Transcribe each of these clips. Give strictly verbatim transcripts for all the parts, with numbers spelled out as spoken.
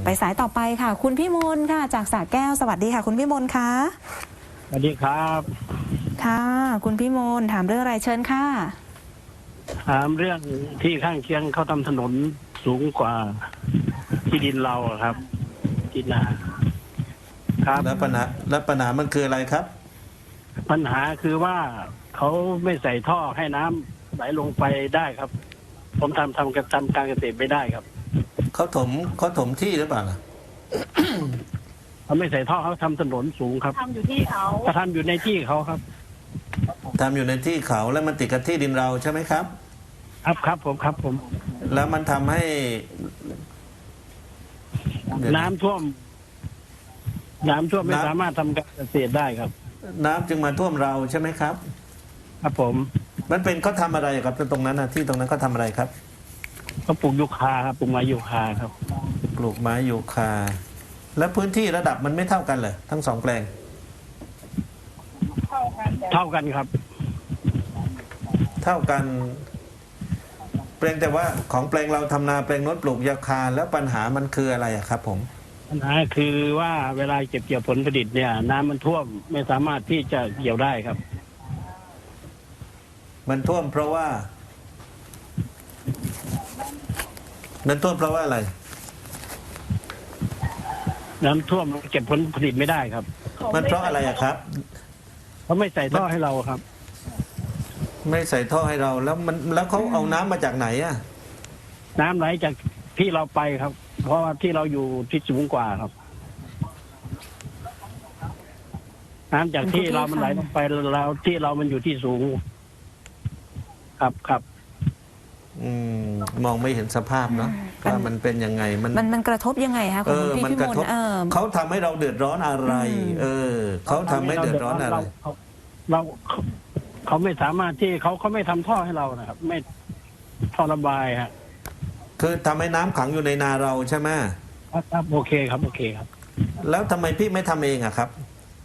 ไปสายต่อไปค่ะคุณพี่มนค่ะจากสระแก้วสวัสดีค่ะคุณพี่มนคะสวัสดีครับค่ะคุณพี่มนถามเรื่องอะไรเชิญค่ะถามเรื่องที่ข้างเคียงเขาทำถนนสูงกว่าที่ดินเราครับที่นาครับแล้วปัญหาแล้วปัญหามันคืออะไรครับปัญหาคือว่าเขาไม่ใส่ท่อให้น้ำไหลลงไปได้ครับผมทำทำกับทำการเกษตรไม่ได้ครับเขาถมเขาถมที่หรือเปล่าล่ะเขาไม่ใส่ท่อเขาทำถนนสูงครับทำอยู่ที่เขาเขาทำอยู่ในที่เขาครับทำอยู่ในที่เขาแล้วมันติดกับที่ดินเราใช่ไหมครับครับครับผมครับผมแล้วมันทำให้น้ำท่วมน้ำท่วมไม่สามารถทำการเกษตรได้ครับน้ำจึงมาท่วมเราใช่ไหมครับครับผมมันเป็นเขาทำอะไรครับตรงนั้นนะที่ตรงนั้นเขาทาอะไรครับเขาปลูกยูคาครับปลูกไม้ยูคาครับปลูกไม้ยูคาแล้วพื้นที่ระดับมันไม่เท่ากันเลยทั้งสองแปลงเท่ากันเท่ากันครับเท่ากันแปลงแต่ว่าของแปลงเราทำนาแปลงโน้นปลูกยูคาแล้วปัญหามันคืออะไรอะครับผมปัญหาคือว่าเวลาเก็บเกี่ยวผลผลิตเนี่ยน้ำมันท่วมไม่สามารถที่จะเกี่ยวได้ครับมันท่วมเพราะว่ามันท่วมเพราะว่าอะไรน้ำท่วมเก็บผลผลิตไม่ได้ครับมันเพราะอะไรอะครับเขาไม่ใส่ท่อให้เราครับไม่ใส่ท่อให้เราแล้วมันแล้วเขาเอาน้ำมาจากไหนอะน้ำไหลจากที่เราไปครับเพราะว่าที่เราอยู่ที่สูงกว่าครับน้ำจากที่เรามันไหลลงไปเราที่เรามันอยู่ที่สูงครับครับอืมมองไม่เห็นสภาพเนาะว่ามันเป็นยังไงมันมันมันกระทบยังไงคะคุณพี่พี่มนเขาทำให้เราเดือดร้อนอะไร เออเขาทำให้เดือดร้อนอะไรเราเขาไม่สามารถที่เขาเขาไม่ทำท่อให้เรานะครับไม่ท่อระบายฮะคือทำให้น้ำขังอยู่ในนาเราใช่ไหมครับโอเคครับโอเคครับแล้วทำไมพี่ไม่ทำเองอะครับ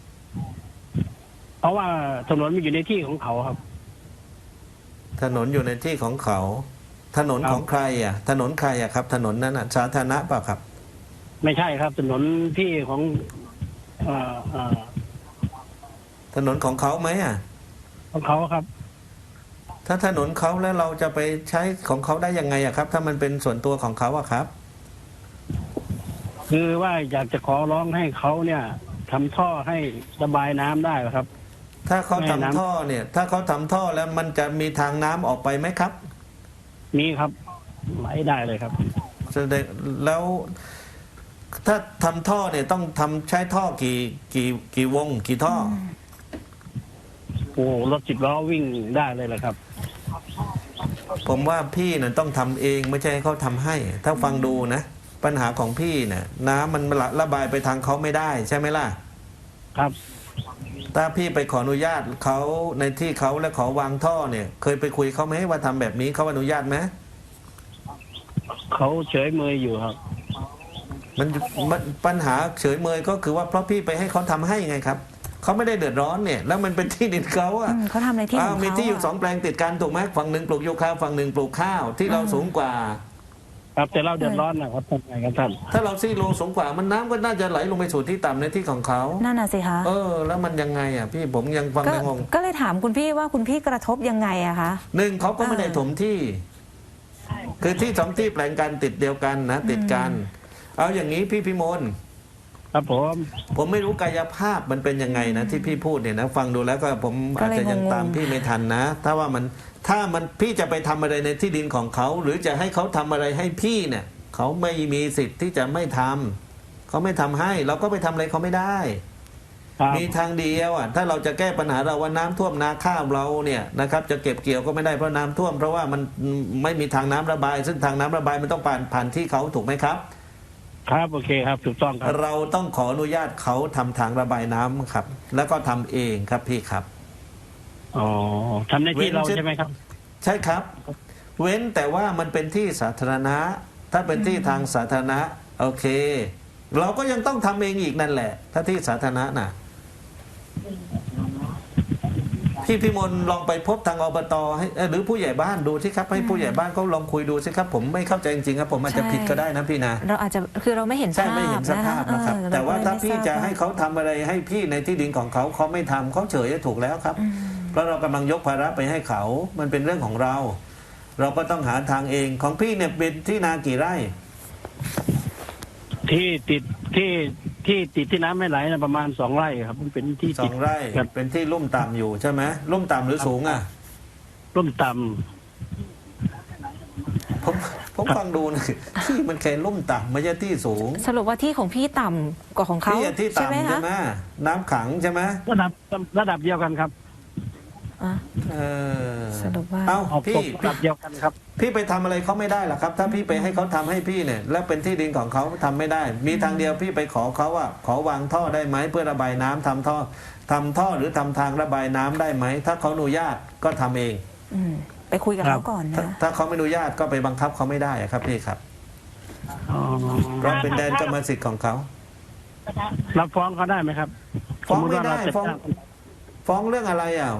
เพราะว่าถนนมันอยู่ในที่ของเขาครับถนนอยู่ในที่ของเขาถนนของใครอ่ะถนนใครอ่ะครับถนนนั้นอ่ะสาธารณะเปล่าครับไม่ใช่ครับถนนที่ของเอ่อเอ่อถนนของเขาไหมอ่ะของเขาครับถ้าถนนเขาแล้วเราจะไปใช้ของเขาได้ยังไงอ่ะครับถ้ามันเป็นส่วนตัวของเขาอ่ะครับคือว่าอยากจะขอร้องให้เขาเนี่ยทำท่อให้ระบายน้ำได้ครับถ้าเขาทำท่อเนี่ยถ้าเขาทำท่อแล้วมันจะมีทางน้ำออกไปไหมครับมีครับไหลได้เลยครับแสดงแล้วถ้าทำท่อเนี่ยต้องทำใช้ท่อกี่กี่กี่วงกี่ท่อโอ้รถสิบล้อวิ่งได้เลยแหละครับผมว่าพี่น่ะต้องทำเองไม่ใช่ให้เขาทำให้ถ้าฟังดูนะปัญหาของพี่เนี่ยน้ำมันระบายไปทางเขาไม่ได้ใช่ไหมล่ะครับถ้าพี่ไปขออนุญาตเขาในที่เขาและขอวางท่อเนี่ยเคยไปคุยเขาไหมว่าทำแบบนี้เขาอนุญาตไหมเขาเฉยเมยอยู่ครับมันปัญหาเฉยเมยก็คือว่าเพราะพี่ไปให้เขาทำให้ไงครับเขาไม่ได้เดือดร้อนเนี่ยแล้วมันเป็นที่ดินเขาอ่ะเขาทำในที่ของเขามีที่อยู่สองแปลงติดกันถูกไหมฝั่งหนึ่งปลูกยูคาฝั่งหนึ่งปลูกข้าวที่เราสูงกว่าครับแต่เราเดือดร้อนนะครับทำไงกันท่านถ้าเราซี่โลสูงกว่ามันน้ำก็น่าจะไหลลงไปสู่ที่ต่ำในที่ของเขานั่นน่ะสิคะเออแล้วมันยังไงอ่ะพี่ผมยังฟังไม่งงก็เลยถามคุณพี่ว่าคุณพี่กระทบยังไงอะคะหนึ่งเขาก็ไม่ได้ถมที่คือที่สองที่แปลงกันติดเดียวกันนะติดกันเอาอย่างนี้พี่พิมลครับผมผมไม่รู้กายภาพมันเป็นยังไงนะที่พี่พูดเนี่ยนะฟังดูแล้วก็ผมอาจจะยังตามพี่ไม่ทันนะถ้าว่ามันถ้ามันพี่จะไปทำอะไรในที่ดินของเขาหรือจะให้เขาทำอะไรให้พี่เนี่ยเขาไม่มีสิทธิ์ที่จะไม่ทำเขาไม่ทำให้เราก็ไปทำอะไรเขาไม่ได้มีทางเดียวอ่ะถ้าเราจะแก้ปัญหาเราว่าน้ำท่วมนาข้าวเราเนี่ยนะครับจะเก็บเกี่ยวก็ไม่ได้เพราะน้ำท่วมเพราะว่ามันไม่มีทางน้ำระบายซึ่งทางน้ำระบายมันต้องผ่านผ่านที่เขาถูกไหมครับครับโอเคครับถูกต้องครับเราต้องขออนุญาตเขาทำทางระบายน้ำครับแล้วก็ทำเองครับพี่ครับอ๋อทำในที่เราใช่ไหมครับใช่ครับเว้นแต่ว่ามันเป็นที่สาธารณะถ้าเป็นที่ทางสาธารณะโอเคเราก็ยังต้องทำเองอีกนั่นแหละถ้าที่สาธารณะน่ะพพี่พิมลลองไปพบทางอบตให้เอ่อหรือผู้ใหญ่บ้านดูสิครับให้ผู้ใหญ่บ้านเขาลองคุยดูสิครับผมไม่เข้าใจจริงๆครับผมอาจจะผิดก็ได้นะพี่นะเราอาจจะคือเราไม่เห็นใช่ภาพไม่เห็นสภาพนะครับเออแต่ว่าเรก็เลยถ้าไม่พี่ทรบจะให้เขาทำอะไรให้พี่ในที่ดินของเขาเขาไม่ทำเขาเฉยถูกแล้วครับอืมเพราะเรากำลังยกภาระไปให้เขามันเป็นเรื่องของเรา เราก็ต้องหาทางเองของพี่เนี่ยเป็นที่นากี่ไร่ที่ติดที่ที่ติดที่น้ำไม่ไหลนะประมาณสองไร่ครับมันเป็นที่สติอดงไร่ครับเป็นที่ลุ่มต่ำอยู่ใช่ไหมลุ่มต่ำหรือสูงอ่ะร่มต่ผมผมฟังดูนะที่มันแค่ลุ่มต่ำไม่ใช่ที่สูงสรุปว่าที่ของพี่ต่ำกว่าของเขาที่อะที่ใช่ไหมต่ำใช่คะไหมน้ำขังใช่ไหมำระดับระดับเดียวกันครับอ่ะเออสรุปว่าเอ้าออกพี่ตกระดับเดียวกันครับพี่ไปทำอะไรเขาไม่ได้หรอกครับ ถ้าพี่ไปให้เขาทำให้พี่เนี่ย แล้วเป็นที่ดินของเขาทำไม่ได้ มีทางเดียวพี่ไปขอเขาว่า ขอวางท่อได้ไหมเพื่อระบายน้ำทำท่อทำท่อหรือทำทางระบายน้ำได้ไหมถ้าเขาอนุญาตก็ทำเองอืมไปคุยกับครัเขาบก่อนถ้านะถ้าเขาไม่อนุญาตก็ไปบังคับเขาไม่ได้อะครับพี่ครับอ๋อเพราะเป็นแดนกรรมสิทธิ์ของเขารับฟ้องเขาได้ไหมครับฟ้องสติไม่ว่าได้เราจะฟ้องจ้างฟ้องเรื่องอะไรอ่ะ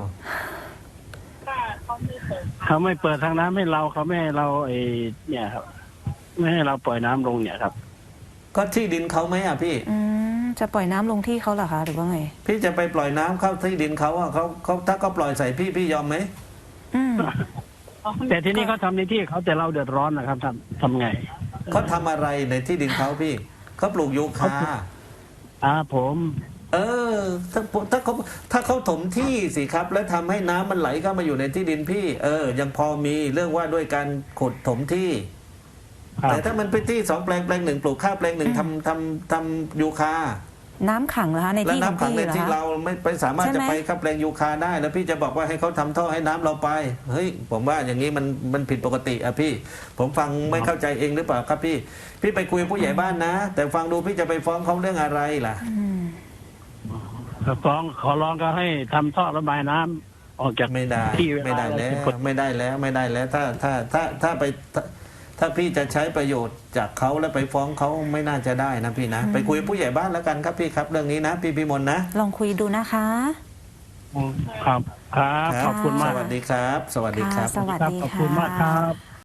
เขาไม่เปิดทางน้ำให้เราเขาไม่ให้เราไอเนี่ยครับ ไม่ให้เราปล่อยน้ำลงเนี่ยครับก็ที่ดินเขาไหมอ่ะพี่อืมจะปล่อยน้ำลงที่เขาเหรอคะหรือว่าไงพี่จะไปปล่อยน้ำเข้าที่ดินเขาอ่ะเขาเขาถ้าเขาปล่อยใส่พี่พี่ยอมไหมอืมแต่ทีนี้เขาทำในที่เขาแต่เราเดือดร้อนนะครับทำทำไงเขาทำอะไรในที่ดินเขาพี่เขาปลูกยูคาอ่าผมเออถ้าถ้าเขาถ้าเขาถมที่สิครับ แล้วทำให้น้ำมันไหลเข้ามาอยู่ในที่ดินพี่ เออ ยังพอมีเรื่องว่าด้วยการขุดถมที่ครับแต่ถ้ามันเป็นที่สองแปลงแปลงหนึ่งปลูกข้าวแปลงหนึ่งทำทำทำยูคาน้ำขังเหรอคะในแล้วที่ของน้ำขังพี่ในเหรอที่คะเราไม่ไปสามารถใช่จะไหมไปข้าวแปลงยูคาได้ แล้วพี่จะบอกว่าให้เขาทำท่อให้น้ำเราไปเฮ้ยผมว่าอย่างนี้มันมันผิดปกติอะพี่ ผมฟังไม่เข้าใจเองหรือเปล่าครับพี่ พี่ไปคุยกับผู้ใหญ่บ้านนะ แต่ฟังดูพี่จะไปฟ้องเขาเรื่องอะไรล่ะอืมฟ้องขอร้องก็ให้ทำท่อระบายน้ำออกจากไม่ได้ที่เวลาไม่ได้แล้วผิกฎไม่ได้แล้วไม่ได้แล้วถ้าถ้าถ้าถ้าไปถ้าถ้าพี่จะใช้ประโยชน์จากเขาแล้วไปฟ้องเขาไม่น่าจะได้นะพี่นะ ไปคุยกับผู้ใหญ่บ้านแล้วกันครับพี่ครับเรื่องนี้นะ พี่พิมลนะลองคุยดูนะคะครับครับขอบคุณมากสวัสดีครับ สวัสดีครับค่ะสวัสดีขอบค่ะคุณมากครับ